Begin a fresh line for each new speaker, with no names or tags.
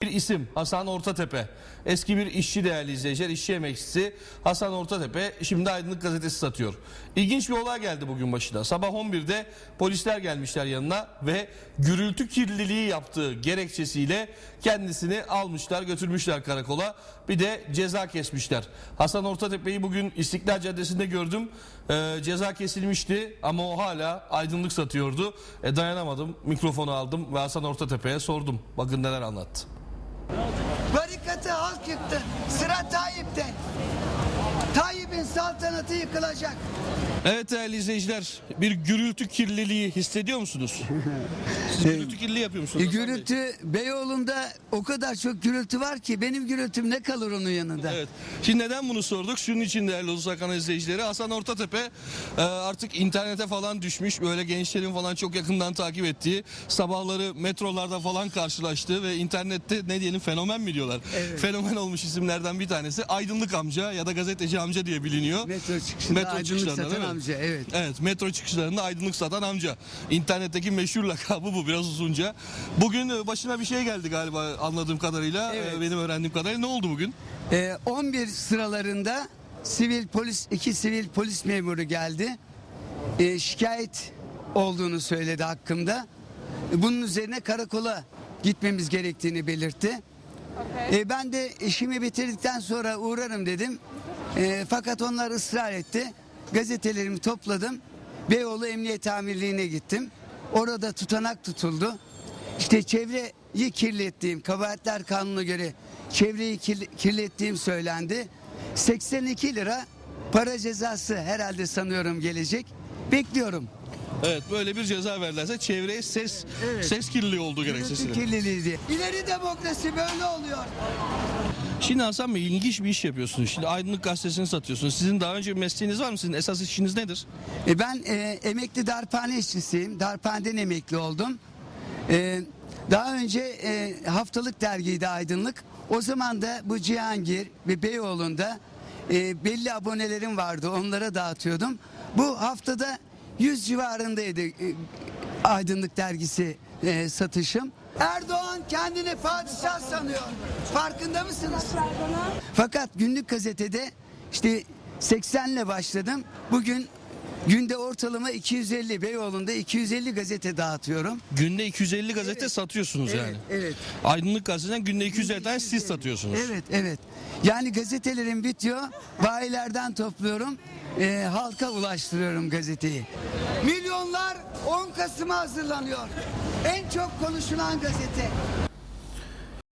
isim Hasan Ortatepe. Eski bir işçi değerli izleyiciler, işçi emekçisi Hasan Ortatepe şimdi Aydınlık Gazetesi satıyor. İlginç bir olay geldi bugün başına. Sabah 11'de polisler gelmişler yanına ve gürültü kirliliği yaptığı gerekçesiyle kendisini almışlar, götürmüşler karakola. Bir de ceza kesmişler. Hasan Ortatepe'yi bugün İstiklal Caddesi'nde gördüm. Ceza kesilmişti ama o hala Aydınlık satıyordu. Dayanamadım, mikrofonu aldım ve Hasan Ortatepe'ye sordum. Bakın neler anlattı.
Barikatı halk yıktı. Sıra Tayyip'te. Tayyip'in saltanatı yıkılacak.
Evet değerli izleyiciler, bir gürültü kirliliği hissediyor musunuz? Siz gürültü kirliliği yapıyor musunuz? Hasan Bey?
Gürültü Beyoğlu'nda o kadar çok gürültü var ki benim gürültüm ne kalır onun yanında.
Evet. Şimdi neden bunu sorduk? Şunun için değerli Ulus Hakan izleyicileri, Hasan Ortatepe artık internete falan düşmüş. Böyle gençlerin falan çok yakından takip ettiği, sabahları metrolarda falan karşılaştığı ve internette ne diyelim fenomen mi diyorlar?
Evet.
Fenomen olmuş isimlerden bir tanesi Aydınlık amca ya da gazeteci amca diye biliniyor.
Metro çıkışında Aydınlık
çıkışlarında,
satan
değil mi?
amca, evet.
Evet, metro çıkışlarında Aydınlık satan amca. İnternetteki meşhur lakabı bu, biraz uzunca. Bugün başına bir şey geldi galiba anladığım kadarıyla.
Evet.
Benim öğrendiğim kadarıyla. Ne oldu bugün?
11 sıralarında iki sivil polis memuru geldi. Şikayet olduğunu söyledi hakkımda. Bunun üzerine karakola gitmemiz gerektiğini belirtti. Ben de işimi bitirdikten sonra uğrarım dedim. Fakat onlar ısrar etti. Gazetelerimi topladım. Beyoğlu Emniyet Amirliği'ne gittim. Orada tutanak tutuldu. İşte çevreyi kirlettiğim, Kabahatler Kanunu'na göre çevreyi kirlettiğim söylendi. 82 lira para cezası herhalde sanıyorum gelecek. Bekliyorum.
Evet, böyle bir ceza verdilerse çevreye ses kirliliği olduğu gerekçesiyle.
Kirliliği diye. İleri demokrasi böyle oluyor.
Şimdi Hasan Bey, ilginç bir iş yapıyorsunuz. Şimdi Aydınlık Gazetesi'ni satıyorsunuz. Sizin daha önce bir mesleğiniz var mı? Sizin esas işiniz nedir?
Ben emekli darphane işçisiyim. Darphaneden emekli oldum. Daha önce haftalık dergiydi Aydınlık. O zaman da bu Cihangir ve Beyoğlu'nda belli abonelerim vardı. Onlara dağıtıyordum. Bu haftada 100 civarındaydı Aydınlık dergisi satışım. Erdoğan kendini padişah sanıyor. Farkında mısınız? Fakat günlük gazetede işte 80 ile başladım. Bugün günde ortalama 250, Beyoğlu'nda 250 gazete dağıtıyorum.
Günde 250 gazete satıyorsunuz yani.
Evet.
Aydınlık Gazetesi'nden günde 250 tane siz satıyorsunuz.
Evet. Yani gazetelerim bitiyor. Bayilerden topluyorum. Halka ulaştırıyorum gazeteyi. Milyonlar 10 Kasım'a hazırlanıyor. En çok konuşulan gazete.